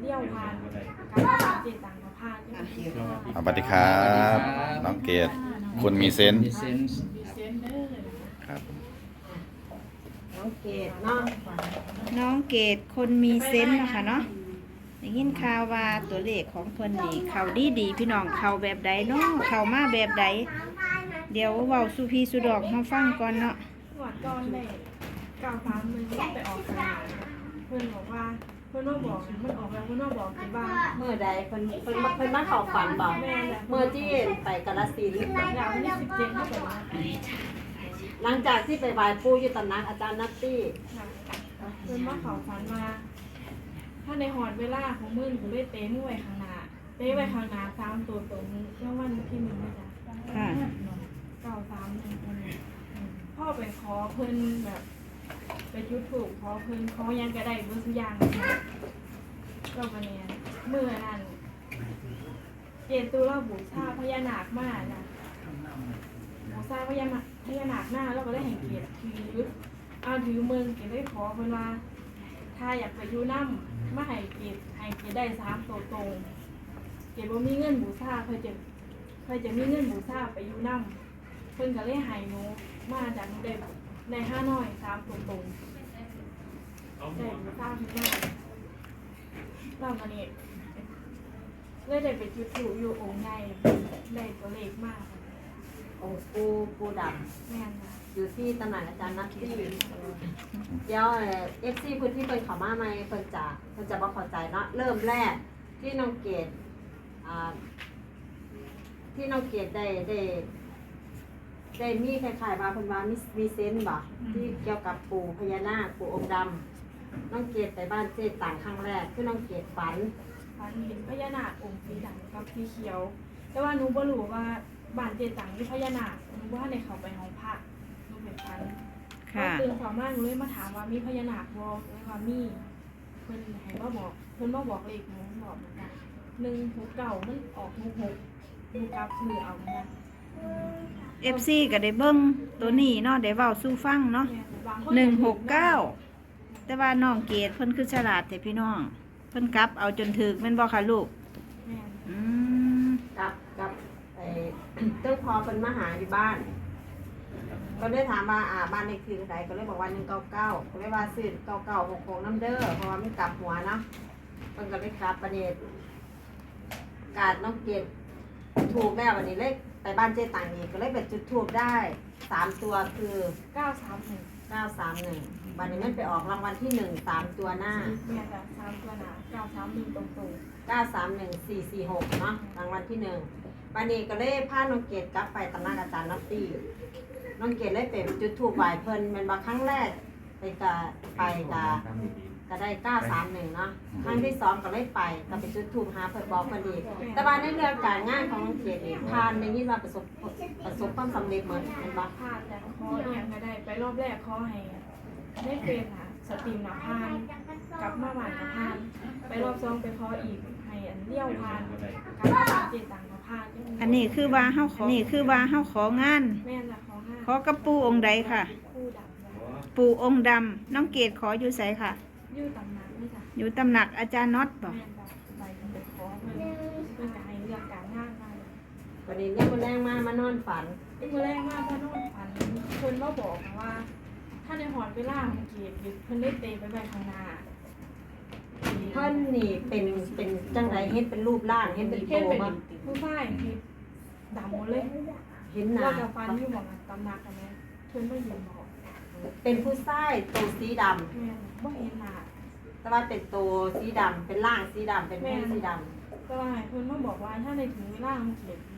ลี้ยวผ่านการเจตังกับพาดสวัสดีครับน้องเกดคนมีเซนส์มีเซนเดอร์ครับน้องเกดเนาะน้องเกดคนมีเซนส์นะคะเนาะได้ยินข่าวว่าตัวเลขของเพิ่นนี่เขาดีพี่น้องเขาแบบใดเนาะเขามาแบบใดเดี๋ยวเว้าสุพีสุดอกเฮาฟังก่อนเนาะหวัดก้อนได้93มันไปออกสนามเพื่อนบอกว่าเพื่อนว่าบอกมันออกแล้วเพื่อนว่าบอกที่บ้านเมื่อใดเพิ่นมาเข้าฝันบอกแม่แหละเมื่อที่ไปกาฬสินธุ์อยากวันที่17เท่ากับว่าหลังจากที่ไปไหว้ปู่อยู่ตำหนักอาจารย์นัตตี้เพื่อนว่าเขาฝันมาถ้าในหอดเวลาของมึงกูได้เต้นไว้ข้างหน้าเต้ไว้ข้างหน้า3ตัวตรงเมื่อวันที่1นะจ๊ะค่ะพ่อไปขอเพิ่นแบบไปยุดถูกขอเพิ่นขอยังก็ได้เบิ่งทุกอย่างก็มาเนี่ยเมื่อนั้นเจตุเราบูชาพญานาคมานะบูชาพญานาคหน้าแล้วก็ได้แห่งเกียรติถือถือเมืองเกียรติได้ขอเพิ่นว่าถ้าอยากไปอยู่น้ำมาให้เกียรติได้3ตัวตรงเกียรติบ่มีเงินบูชาเพิ่นจะมีเงินบูชาไปอยู่น้ำเพิ่นก็เลยให้หนูมาจากหนูได้5น้อย3ตัวตรงได้บูชาเพิ่นมาแล้วมานี่เลยได้ไปจุดถูอยู่องค์ใหญ่ได้ตัวเลขมากองค์ปู่ดแม่นค่ะำอยู่ที่ตำหนักอาจารย์นัตตี้เดี๋ยวFC พื้นที่เพิ่นเข้ามาใหม่เพิ่นจะบ่เข้าใจเนาะเริ่มแรกที่น้องเกดที่น้องเกดได้มีคล้ายๆว่าเพิ่นว่ามีเซนส์บ่ที่เกี่ยวกับปู่พญานาคปู่องค์ดำน้องเกดไปบ้านเจ๊ต่างครั้งแรกคือน้องเกดฝันฝันเห็นพญานาคองค์สีดำกับสีเขียว แต่ว่าหนูบ่รู้ว่าบ้านเจตังมีพญานาคหนูว่าในเขาไปห้องพักหนูเป็นฝันค่ะตื่นสองมาหนูเลยมาถามว่ามีพญานาคบ่เลยว่ามีเพิ่นให้มาบอกเพิ่นมาบอกเลขหนูบอกเหมือนกัน169มันออก66หนูกลับซื้อเอาเหมือนกัน FC ก็ได้เบิ่งตัวนี้เนาะได้เว้าสู่ฟังเนาะแม่บางคน 169แต่ว่าน้องเกดเพิ่นคือฉลาดแต่พี่น้องเพิ่นกลับเอาจนถึกแม่นบ่คะลูกแม่นอืมกับเจ้าพอเป็นมาหาอยู่บ้าน ก็เลยถามว่าบ้านเลขที่เท่าไหร่ก็เลยบอกว่า199ก็เลยว่าซื้อ9966น้ำเด้อเพราะว่ามันกลับหัวเนาะมันก็เลยกลับประเด็นการน้องเกดถูกแม่วันนี้เลขไปบ้านเจ๊ต่างอีกก็เลยเป็นจุดถูกได้3ตัวคือ 931 931วันนี้มันไปออกรางวัลที่1 3ตัวหน้าแม่จ้ะ3ตัวหน้า931ตรงๆ 931446เนาะรางวัลที่1วันนี้ก็เลยพาน้องเกดกลับไปตำหนักอาจารย์นัตตี้น้องเกดเลยเป็นจุดถูกไหวเพิ่นเป็นว่าครั้งแรกก็ได้931เนาะครั้งที่2ก็เลยไปก็ไปจุดถูกหาเพิ่นบอกเพิ่นอีกแต่ว่าในเรื่องการงานของน้องเกดนี่ผ่านได้ยินว่าประสบความสำเร็จเหมือนเป็นบ่พลาดแต่ขอเอียงก็ได้ไปรอบแรกขอให้ได้เป็นสตรีมหนาพานกลับมาหวานหนาพานไปรอบ2ไปขออีกให้เลี้ยวพานกลับมาหวานเจตังหนาพานอันนี้คือว่าเฮาของานแม่นละขอ5 ขอกับปู่องค์ใดค่ะคู่ดำนะปู่องค์ดำน้องเกดขออยู่ไสค่ะยืดตำนานนี่จ้ะอยู่ตำหนักอาจารย์น็อตบ่แม่นละไปไปขอเพื่อนก็ให้เรื่องการงานมาวันนี้เนี่ยมันแรงมานอนฝันเมื่อแรกมากพ่อน้องฝันเพิ่นมาบอกว่า ถ้าในหอดเวลาของเกียรติเพิ่นได้เตะไปไปข้างหน้าเพิ่นนี่เป็นจังไดเฮ็ดเป็นรูปร่างเฮ็ดเป็นเฮ็ดโตเป็นบ่ผู้ชายที่ดำหมดเลยเห็นหน้าว่าจะฟันอยู่หมองตำหนักกันไหมเพิ่นไม่ยืนบอกเป็นผู้ชายตัวสีดำแม่บ่เห็นหน้าแต่ว่าเป็นตัวสีดำเป็นร่างสีดำเป็นผู้สีดก็ว่าให้เพิ่นมาบอกว่าถ้าในถึงเวลาของเกียรติ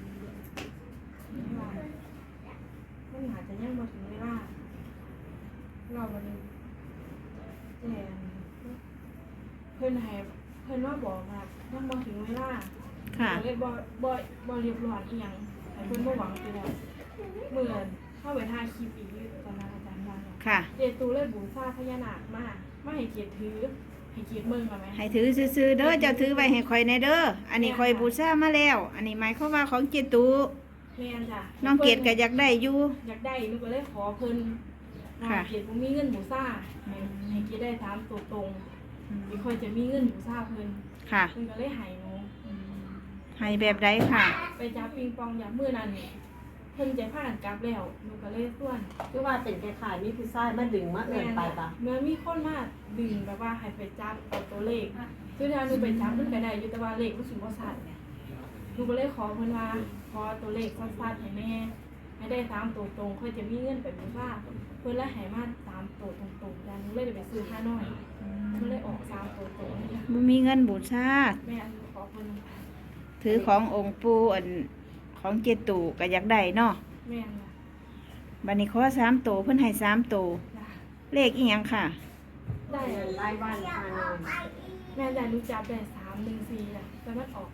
มันอาจจะยังบ่ถึงเวลาเราวันนี้แต่เพิ่นให้เพิ่นว่าบอกว่ายังบ่ถึงเวลาค่ะเลยบ่เรียบร้อยอีหยังให้เพิ่นบ่หวังไปแล้วเหมือนเข้าไปถ่ายคลิปอีกตอนนั้นอาจารย์ว่าค่ะเจตูเลยบูชาพญานาคมาให้เกียรติถือให้เกียรติเมืองเอาไหมให้ถือซื่อๆเด้อเจ้าถือไว้ให้ข่อยในเด้ออันนี้ข่อยบูชามาแล้ว อันนี้หมายความว่าของเจตุแม่นจ้ะน้องเกดก็อยากได้อยู่อยากได้หนูก็เลยขอเพิ่นว่าค่ะเกียรติบ่มีเงินบูชาให้เกียรติได้3ตัวตรงอีกคนจะมีเงินอยู่ทราบเพิ่นค่ะเพิ่นก็เลยใหายหนูให้แบบใดค่ะไปจับปิงปองอย่างมื้อนั้นเพิ่นจะพากันกลับแล้วหนูก็เลยส่วนคือว่าเป็นคล้ายๆมีผู้ชายมาดึงมาเอิ้นไปปะเมื่อมีคนมาดึงแบบว่าให้ไปจับเอาตัวเลขซึ่งถ้าหนูไปจับมันก็ได้อยู่แต่ว่าเลขรู้สึกว่าสั้นหนูก็เลยขอเพิ่นว่าขอตัวเลขสั้นๆให้แม่ให้ได้3ตัวตรงค่อยจะมีเงินไปบูชาเพิ่นเลยให้มา3ตัวตรงๆแล้วหนูเลยได้ไปซื้อ5น้อยมันเลยออก3ตัวตรงนี่ค่ะบ่มีเงินบูชาแม่ขอเพิ่นถือขององค์ปู่อันของเจตูก็อยากได้เนาะแม่น่ะบัดนี้ขอ3ตัวเพิ่นให้3ตัวจ้ะเลขอีหยังค่ะได้รายวันพาน้องแม่ได้รู้จับได้314อ่ะแต่มันออก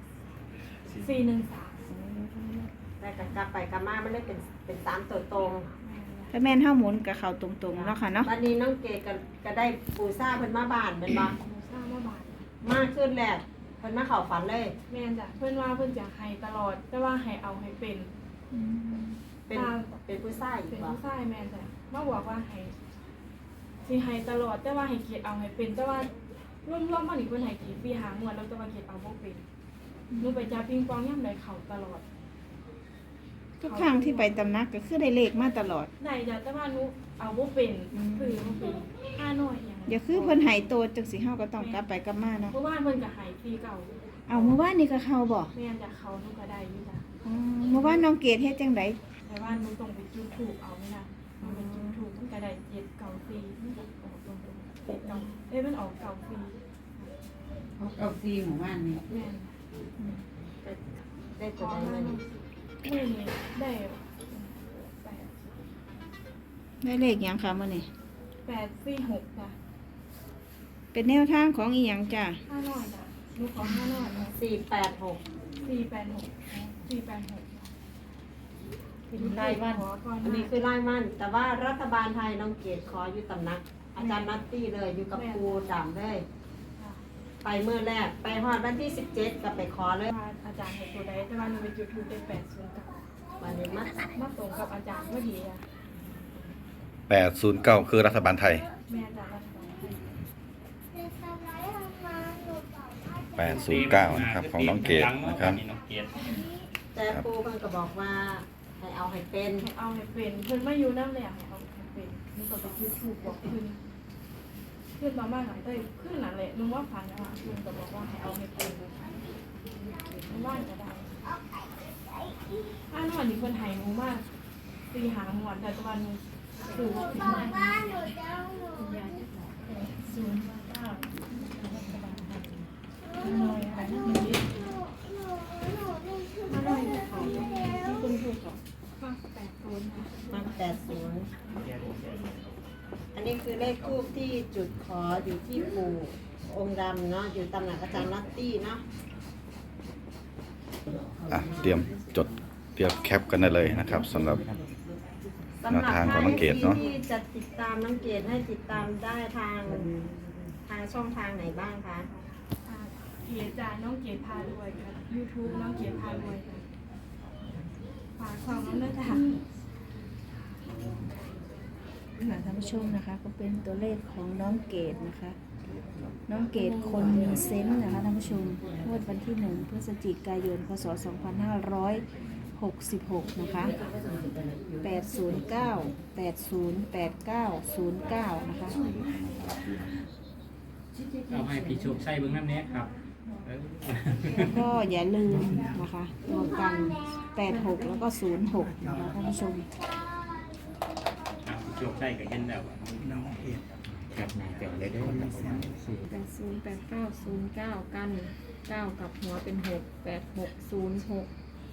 413 แต่กลับไปกลับมามันเลยเป็น3ตัวตรงถ้าแม่นเฮาหมุนก็เข้าตรงๆเนาะค่ะเนาะวันนี้น้องเกดก็ได้ปูซ่าเพิ่นมาบ้านแม่นบ่หนูทราบว่าบาทมากขึ้นแหละเพิ่นมาเข้าฝันเลยแม่นจ้ะเพื่อนว่าเพื่อนจะให้ตลอด แต่ว่าให้เอาให้เป็นเป็นเป็นผู้ชายอีเป็กนบ่ผู้ชายแม่นจ้ะมาบอกว่าให้สิให้ตลอด แต่ว่าให้เกียรติเอาให้เป็น แต่ว่าร่วมๆมาอีกเพื่อนให้กี่ปีหางวดแล้วแต่ว่าเกียรติเอาบ่เป็นหนูไปจับปิงปองย่ำใดเขาตลอดทุกครั้งที่ไปตำนักก็คือได้เลขมาตลอดได้จ้ะแต่ว่าหนูเอาบ่เป็นคือบ่เป็น5น้อยอย่างอย่าคือเพิ่นให้โตจังสิเฮาก็ต้องกลับไปกลับมาเนาะเพราะว่าเพิ่นก็ให้ปีเก่าเอาเมื่อวานนี้ก็เข้าบ่แม่นจ้ะเขาหนูก็ได้อยู่จ้ะอ๋อเมื่อวานน้องเกดเฮ็ดจังไดแต่ว่าหนูต้องไปจุดถูกเอาไม่ได้มันเป็นจุดถูกมันก็ได้7เก่าฟรีมันก็ออกตรงๆ7เก่ามันออกเก่าฟรีเขาเอาซีหมู่บ้านนี่แม่นได้ขตัวอใดมามาหนึ่นี่งมื้อนี้ได้แปดได้เลขหยังค่ะมื้อนี้ 846จ้ะเป็นแนวทางของอีหยังจ้ะ 5น้อยจ้ะหนูขอ5น้อยนะ 486 486ขอก่อนอันนี้คือรายวันแต่ว่ารัฐบาลไทยน้องเกดขออยู่ตำหนัก อาจารย์นัตตี้เลยอยู่กับครูดำเลย ไปเมื่อแรกไปฮอดวันที่17ก็ไปขอเลยว่าอาจารย์ให้ตัวใดแต่ว่าหนูไปจุดถูกเป็น809 วันนี้มามาตรงกับอาจารย์พอดีอ่ะ 809 คือรัฐบาลไทยแม่อาจารย์รัฐบาล 809 นะครับ ของน้องเกดนะครับแต่ครูเพิ่นก็บอกว่าให้เอาให้เป็นให้เอาให้เป็นเพิ่นมาอยู่น้ำแหลมให้เอาให้เป็นหนูก็ไปจุดถูกบอกเพิ่นมาบ้านหลังเต้ยขึ้นนั่นแหละหนูว่าฝันนะว่าเพิ่นก็บอกว่าให้เอาให้เป็นหนูว่าจะได้นอนนี่เพิ่นให้หนูมาตีหางหวดแต่ตะวันหนูดูว่าเป็นไงมา80อันนี้คือเลขทูปที่จุดขออยู่ที่ปู่องค์ดำเนาะอยู่ตำหนักอาจารย์นัตตี้เนาะเตรียมจดเตรียมแคปกันได้เลยนะครับสำหรับสำหรับทางของน้องเกดท่เนาะที่จะติดตามน้องเกดให้ติดตามได้ทางช่องทางไหนบ้างคะเพจจ่ายน้องเกียรติพารวยค่ะ YouTube น้องเกียรติพารวยค่ะฝากช่องน้องด้วยจ้ะค่ะท่านผู้ชมนะคะ ก็เป็นตัวเลขของน้องเกดนะคะ น้องเกดคนมีเซนส์นะคะท่านผู้ชมงวดวันที่1 พฤศจิกายน พศ 2566 นะคะ 809 8089 09 นะคะเอาให้พี่โชคชัยเบิ้งน้ำเนี้ยครับเออแล้วก็อย่าลืมนะคะรวมกัน 86 แล้วก็ 06 นะคะท่านผู้ชมเอาพี่โชคชัยกับเห็นแล้วอะกับหน้าจอเลยเด้อครับผม 808909กัน9กับหัวเป็น6 8606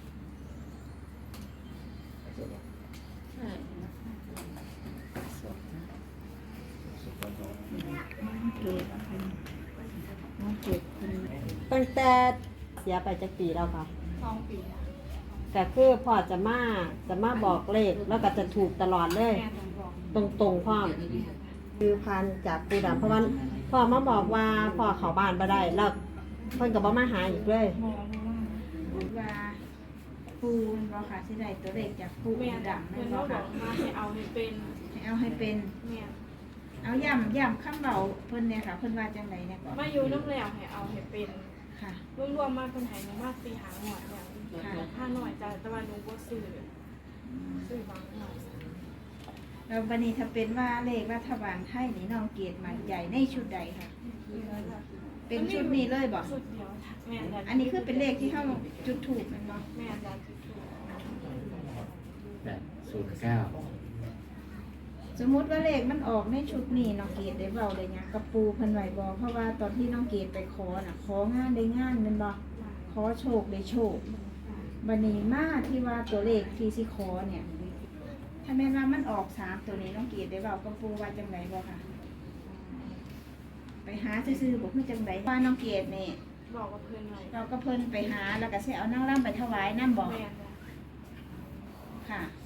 น้องเกดคนตั้งแต่เสียไปจากปีแล้วค่ะ 2 ปีค่ะแต่คือพ่อจะมาบอกเลขแล้วก็จะถูกตลอดเลยแม่ต้องบอกตรงๆพ่อคือพันจากปูดำเพราะว่าพ่อมาบอกว่าพ่อเขาบ้านบ่ได้แล้วเพิ่นก็บ่มาหาอีกเลยมองว่าว่าปูมันบอกค่ะที่ใดตัวเลขจากปูแม่ดำเพิ่นั่นนบก็อกบอค่ะกว่าให้เอาให้เป็นให้เอาให้เป็นแม่เอาย่ำคำเบาเพิ่นเนี่ยค่ะเพิ่นว่าจังไดเนี่ยก่อนมาอยู่น้ำแล้วให้เอาให้เป็นค่ะรวมๆมาเป็นให้หนูมาตีหาหน่อยอย่างค่าหน่อยจ้ะแต่ว่าหนูบ่ซื้อบางหน่อยแล้วบัดนี้ถ้าเป็นว่าเลขรัฐบาลไทยนี่น้องเกดมั่นใจในชุดใดค่ะ เป็นชุดนี้เลยบ่ชุดเดียวแม่นจ้ะอันนี้คือเป็นเลขที่เฮาจุดถูกแม่นบ่แม่นจ้ะจุดถูก 809 สมมุติว่าเลขมันออกในชุดนี้น้องเกดได้เว้าได้หยังกับปูเพิ่นไว้บ่เพราะว่าตอนที่น้องเกดไปขอน่ะของานได้งานแม่นบ่ขอโชคได้โชคบัดนี้มาที่ว่าตัวเลขที่สิขอเนี่ยถ้าแม่นว่ามันออก3ตัวนี้น้องเกดได้เว้ากับปูว่าจังไดบ่ค่ะ ไปหาซื่อๆบ่คือจังไดว่าน้องเกดนี่บอกกับเพื่อนไว้เราก็เพิ่นไปหาแล้วก็สิเอานางรำไปถวายนำบ่แม่นจ้ะค่ะ